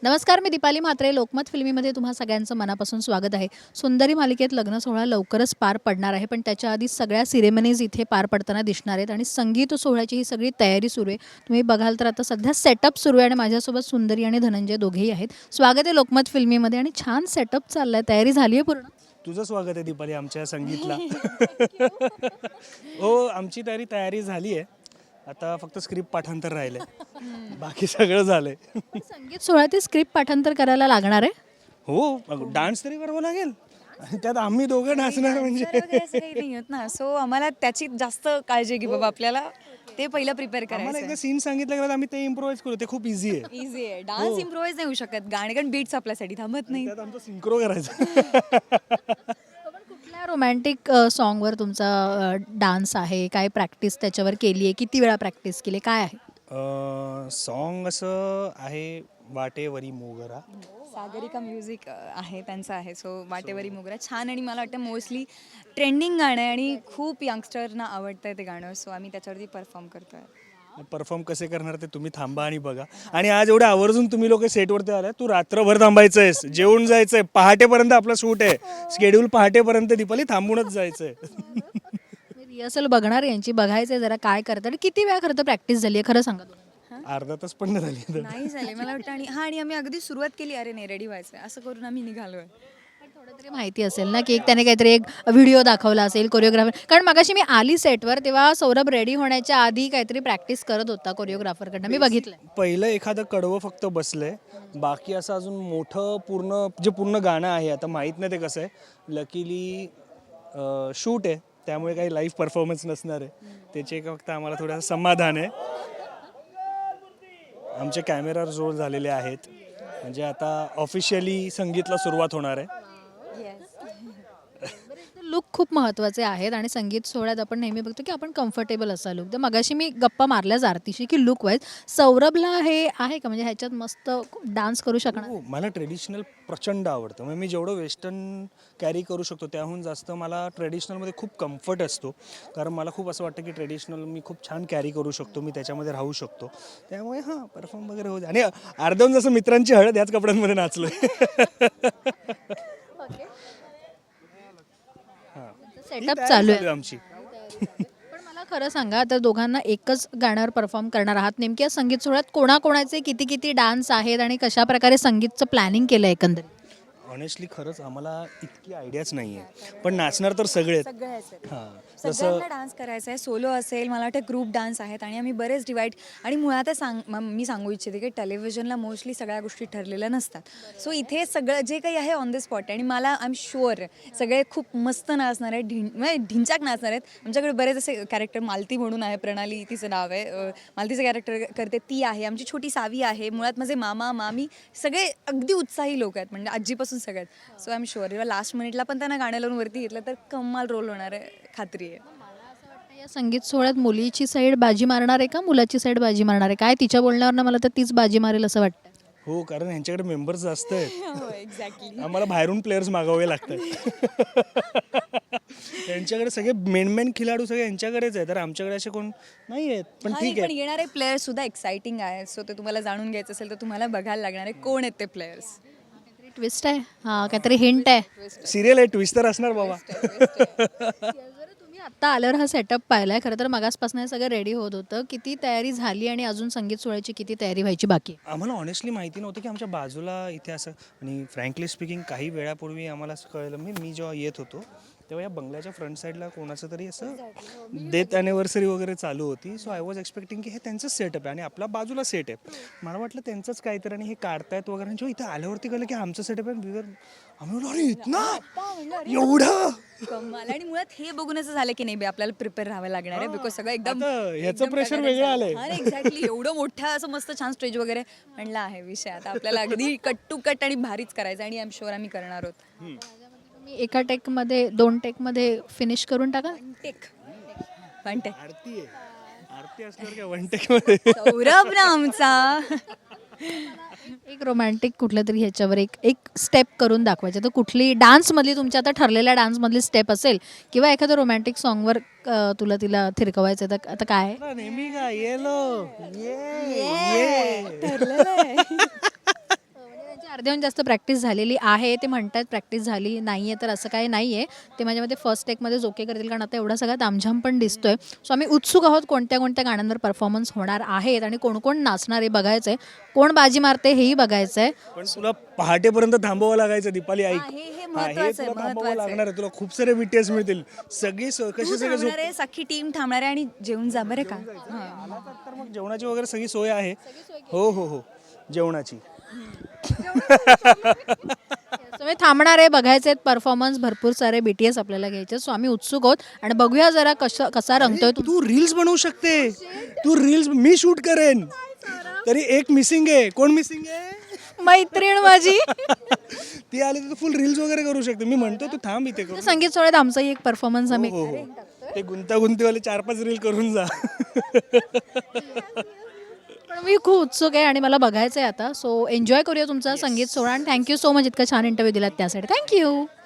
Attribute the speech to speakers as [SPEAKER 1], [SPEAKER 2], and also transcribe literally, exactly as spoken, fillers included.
[SPEAKER 1] नमस्कार, मी दीपाली म्हात्रे. लोकमत फिल्मीमध्ये तुम्हा सगळ्यांचं मनापासून स्वागत आहे. सुंदरी मालिकेत लग्न सोहळा लवकरच पार पडणार आहे, पण त्याच्या आधी सगळ्या सिरेमनीज इथे पार पडताना दिसणार आहेत आणि संगीत सोहळ्याची ही सगळी तयारी सुरू आहे. तुम्ही बघाल तर आता सध्या सेटअप सुरू आहे आणि माझ्यासोबत सुंदरी आणि धनंजय दोघेही आहेत. स्वागत आहे लोकमत फिल्मीमध्ये आणि छान सेटअप चाललं आहे. तयारी झाली आहे पूर्ण?
[SPEAKER 2] तुझं स्वागत आहे दीपाली आमच्या संगीतला. हो, आमची तयारी तयारी झाली आहे. आता फक्त स्क्रिप्ट पाठांतर राहिलंय, बाकी सगळं झालंय.
[SPEAKER 1] संगीत सोहळ्यात स्क्रिप्ट पाठांतर करायला लागणार आहे.
[SPEAKER 2] हो, डान्स तरी करावं लागेल आणि त्यात आम्ही दोघं नाचणार म्हणजे
[SPEAKER 3] असं काही नाही होत ना. सो आम्हाला त्याची जास्त काळजी की बाबा आपल्याला ते पहिलं प्रिपेअर
[SPEAKER 2] आम्हाला
[SPEAKER 3] करायचं
[SPEAKER 2] एकदा सीन सांगितलं गेलं आम्ही ते इम्प्रोव्हाइज करू, ते खूप इझी आहे.
[SPEAKER 3] इझी आहे. डान्स इम्प्रोवाइज नाही होऊ शकत, गाणे कारण बीट्स आपल्यासाठी थांबत नाही.
[SPEAKER 2] त्यात आमचं सिंक्रो करायचं.
[SPEAKER 1] पण कुठल्या रोमॅन्टिक सॉन्गवर तुमचा डान्स आहे? काय प्रॅक्टिस त्याच्यावर केली आहे? किती वेळा प्रॅक्टिस केली? काय आहे?
[SPEAKER 2] सॉन्ग असं आहे वाटेवरी मोगरा.
[SPEAKER 3] सागरिका म्युझिक आहे त्यांचं आहे. सो वाटेवरी मोगरा छान आणि मला वाटतं मोस्टली ट्रेंडिंग गाणं आहे आणि खूप यंगस्टरना आवडतं आहे ते गाणं. सो आम्ही त्याच्यावरती परफॉर्म करतो आहे.
[SPEAKER 2] परफॉर्म कसे करणार ते तुम्ही थांबा आणि बघा. आणि आज एवढं आवर्जून तुम्ही लोक सेटवरती आलाय, तू रात्रभर थांबायचं आहेस, जेवून जायचंय, पहाटेपर्यंत आपला शूट आहे, शेड्यूल पहाटेपर्यंत. दीपाली थांबूनच जायचंय.
[SPEAKER 1] रिहर्सल बघणार यांची, बघायचं जरा काय करतात आणि किती वेळा खरं तर प्रॅक्टिस झाली आहे खरं सांगा तुम्ही?
[SPEAKER 2] अर्धा तास पण नाही झाली.
[SPEAKER 3] नाही झाले मला वाटतं. आणि हां, आणि आम्ही अगदी सुरुवात केली, अरे नाही रेडी व्हायचं असं करून आम्ही निघालो आहे.
[SPEAKER 1] थोडं तरी माहिती असेल ना की एक त्याने काहीतरी एक व्हिडिओ दाखवला असेल कोरिओग्राफर. कारण मगाशी मी आली सेटवर तेव्हा सौरभ रेडी होण्याच्या आधी काहीतरी प्रॅक्टिस करत होता कोरिओग्राफरकडनं, मी बघितलं.
[SPEAKER 2] पहिलं एखादं कडवं फक्त बसलंय, बाकी असं अजून मोठं पूर्ण जे पूर्ण गाणं आहे आता माहीत नाही ते कसं आहे. लकीली शूट आहे त्यामुळे काही लाईव्ह परफॉर्मन्स नसणार आहे, त्याचे एक फक्त आम्हाला थोडंसं समाधान आहे. आमचे कॅमेरा रोल झालेले आहेत, म्हणजे आता ऑफिशियली संगीतला सुरुवात होणार आहे.
[SPEAKER 1] लुक खूप महत्त्वाचे आहेत आणि संगीत सोहळ्यात आपण नेहमी बघतो की आपण कम्फर्टेबल असा लुक. तर मगाशी मी गप्पा मारल्याच आरतीशी की लुक वाईज सौरभला हे आहे का, म्हणजे ह्याच्यात मस्त डान्स करू शकणार?
[SPEAKER 2] हो, मला ट्रेडिशनल प्रचंड आवडतं. म्हणजे मी जेवढं वेस्टर्न कॅरी करू शकतो त्याहून जास्त मला ट्रेडिशनलमध्ये खूप कम्फर्ट असतो, कारण मला खूप असं वाटतं की ट्रेडिशनल मी खूप छान कॅरी करू शकतो, मी त्याच्यामध्ये राहू शकतो. त्यामुळे हां, परफॉर्म वगैरे होते. आणि अर्धवून जसं मित्रांची हळद याच कपड्यांमध्ये नाचलो.
[SPEAKER 1] सेटअप चालू आहे
[SPEAKER 2] आमची.
[SPEAKER 1] पण मला खरं सांगा, आता दोघांना एकच गाण्यावर परफॉर्म करणार आहात, नेमक्या संगीत सोहळ्यात कोणाकोणाचे किती किती डान्स आहेत आणि कशा प्रकारे संगीतचं प्लॅनिंग केलं आहे एकंदरीत?
[SPEAKER 2] ऑनेस्टली खरंच आम्हाला इतकी आयडियाच नाही आहे, पण नाचणार तर सगळे. हां,
[SPEAKER 3] सगळ्यांना डान्स करायचा आहे. सोलो असेल, मला वाटतं ग्रुप डान्स आहेत आणि आम्ही बरेच डिवाईड. आणि मुळातच सांग म- मी सांगू इच्छिते की टेलिव्हिजनला मोस्टली सगळ्या गोष्टी ठरलेल्या नसतात. सो इथे सगळं जे काही आहे ऑन द स्पॉट आहे आणि मला आय एम शुअर सगळे खूप मस्त नाचणार आहेत, ढिं म्हणजे ढिंचाक नाचणार आहेत. आमच्याकडे बरेच असे कॅरेक्टर, मालती म्हणून आहे, प्रणाली तिचं नाव आहे, अ, मालतीचं कॅरेक्टर करते ती आहे, आमची छोटी सावी आहे, मुळात माझे मामा मामी सगळे अगदी उत्साही लोक आहेत, म्हणजे आजीपासून सगळ्यात. So I am sure last मिनिटला पण त्यांना गाण्या लावून वरती घेतलं तर कमाल रोल होणार आहे, खात्री आहे.
[SPEAKER 1] या संगीत सोहळ्यात मुलीची साईड बाजी मारणार आहे का मुलाची साईड बाजी मारणार आहे? काय तिच्या बोलण्यावर मला तर तीच बाजी मारेल असं वाटतं.
[SPEAKER 2] हो, कारण ह्यांच्याकडे मेंबर्स जास्त आहेत.
[SPEAKER 3] एक्झॅक्टली.
[SPEAKER 2] आम्हाला बाहेरून प्लेयर्स मागवावे लागतात. यांच्याकडे सगळे मेन मेन खिलाडू सगळे यांच्याकडेच आहे, तर आमच्याकडे असे कोण नाही आहेत. पण ठीक
[SPEAKER 3] पण
[SPEAKER 2] आहे.
[SPEAKER 3] येणारे प्लेयर्स सुद्धा एक्साइटिंग आहे. सो ते तुम्हाला जाणून घ्यायचं असेल तर तुम्हाला बघायला लागणार आहे कोण आहेत ते प्लेयर्स.
[SPEAKER 1] ट्विस्ट आहे, हा काहीतरी हिंट आहे.
[SPEAKER 2] सिरियल आहे, ट्विस्ट तर असणार बाबा.
[SPEAKER 1] जर तुम्ही आत्ता आल्यावर हा सेटअप पाहिलाय, खरं तर मगासपासून हे सगळं रेडी होत होतं, किती तयारी झाली आणि अजून संगीत सोहळ्याची किती तयारी व्हायची बाकी आहे?
[SPEAKER 2] आम्हाला ऑनेस्टली माहिती नव्हतं की आमच्या बाजूला इथे असं. आणि फ्रँकली स्पीकिंग काही वेळापूर्वी आम्हाला असं कळलं, मी मी जेव्हा येत होतो तेव्हा या बंगल्याच्या फ्रंट साईडला कोणाचं तरी असं डेथ ॲनिव्हर्सरी वगैरे चालू होती. सो आय वॉज एक्सपेक्टिंग की हे त्यांचंच सेटअप आहे आणि आपला बाजूला सेट आहे. मला वाटलं त्यांचंच काहीतरी आणि हे काढतायत वगैरे. जेव्हा इथे आल्यावरती कळलं की आमचं सेटअप आहे. विवर आम्ही बोललो, अरे इतना एवढं
[SPEAKER 3] कमाल. आणि मुळात हे बघून असं झालं की नाही बे आपल्याला प्रिपेअर राहावं लागणार आहे, बिकॉज सगळं एकदम
[SPEAKER 2] आता ह्याचं
[SPEAKER 3] एकदम
[SPEAKER 2] pressure
[SPEAKER 3] टकाटक
[SPEAKER 2] वेगळं
[SPEAKER 3] झालं.
[SPEAKER 2] आलंय.
[SPEAKER 3] हा, एक्झॅक्टली. एवढं मोठं असं मस्त छान स्टेज वगैरे म्हणलं आहे विषय. आता आपल्याला अगदी कट टू कट आणि भारीच करायचं आणि आय एम शुअर आम्ही करणार आहोत.
[SPEAKER 1] तुम्ही एका टेकमध्ये दोन टेकमध्ये फिनिश करून टाका.
[SPEAKER 3] Take one take.
[SPEAKER 2] आरती आहे. आरती असल्यावर काय वन टेकमध्ये.
[SPEAKER 3] सौरभ ना आमचा.
[SPEAKER 1] एक रोमॅन्टिक कुठलं तरी ह्याच्यावर एक एक स्टेप करून दाखवायचं, तर कुठली डान्समधली तुमच्या आता ठरलेल्या डान्समधली स्टेप असेल किंवा एखादं रोमॅन्टिक सॉन्गवर तुला तिला थिरकवायचं, तर आता काय आहे?
[SPEAKER 2] नेहमी का येलो ये ये
[SPEAKER 3] ठरलेलं आहे.
[SPEAKER 1] अर्ध्याहून जास्त प्रॅक्टिस झालेली आहे. ते म्हणतात प्रॅक्टिस झाली नाही आहे तर असं काही नाही आहे. ते माझ्या मते फर्स्ट टेकमध्येच ओके करतील कारण आता एवढा सगळा तामझाम पण दिसतोय. सो आम्ही उत्सुक आहोत कोणत्या कोणत्या गाण्यांवर परफॉर्मन्स होणार आहेत आणि कोण कोण नाचणार आहे बघायचं आहे. कोण बाजी मारते हेही बघायचं आहे.
[SPEAKER 2] पण तुला पहाटेपर्यंत थांबावं लागायचं दीपाली ऐक.
[SPEAKER 3] हा, हे- हे
[SPEAKER 2] हा, हे
[SPEAKER 3] महत्त्वाचं आहे,
[SPEAKER 2] तुला थांबावं
[SPEAKER 3] महत्त्वाचं आहे.
[SPEAKER 2] लागणार आहे. तुला खूप सारे बीटीएस मिळतील. सगळी स-
[SPEAKER 3] तू
[SPEAKER 2] कशी सगळे झोप
[SPEAKER 3] थांबणार आहे, सख्खी टीम थांबणार आहे आणि जेवून जा बरं का. हां.
[SPEAKER 2] आला तर मग जेवणाची वगैरे सगळी सोय आहे. हो हो हो जेवणाची.
[SPEAKER 1] सो मी थांबणार आहे बघायचे आहेत परफॉर्मन्स. भरपूर सारे बी टी एस आपल्याला घ्यायचे. सो आम्ही उत्सुक आहोत आणि बघूया जरा कशा कसा रंगतोय तू.
[SPEAKER 2] तू रील्स बनवू शकते. तू रील्स मी शूट करेन. तरी एक मिसिंग आहे. कोण मिसिंग आहे?
[SPEAKER 1] मैत्रीण माझी.
[SPEAKER 2] ती आली तर फुल रील्स वगैरे करू शकते. मी म्हणतो तू थांब इथे करू.
[SPEAKER 1] संगीत सोहळ्यात आमचाही एक परफॉर्मन्स आम्ही
[SPEAKER 2] हो हो ते गुंतागुंतीवाले चार पाच रील करून जा.
[SPEAKER 1] पण मी खूप उत्सुक आहे आणि मला बघायचं आहे आता. सो एन्जॉय करूया तुमचा संगीत सोहळा आणि थँक्यू सो मच इतका छान इंटरव्ह्यू दिलात त्यासाठी. थँक्यू.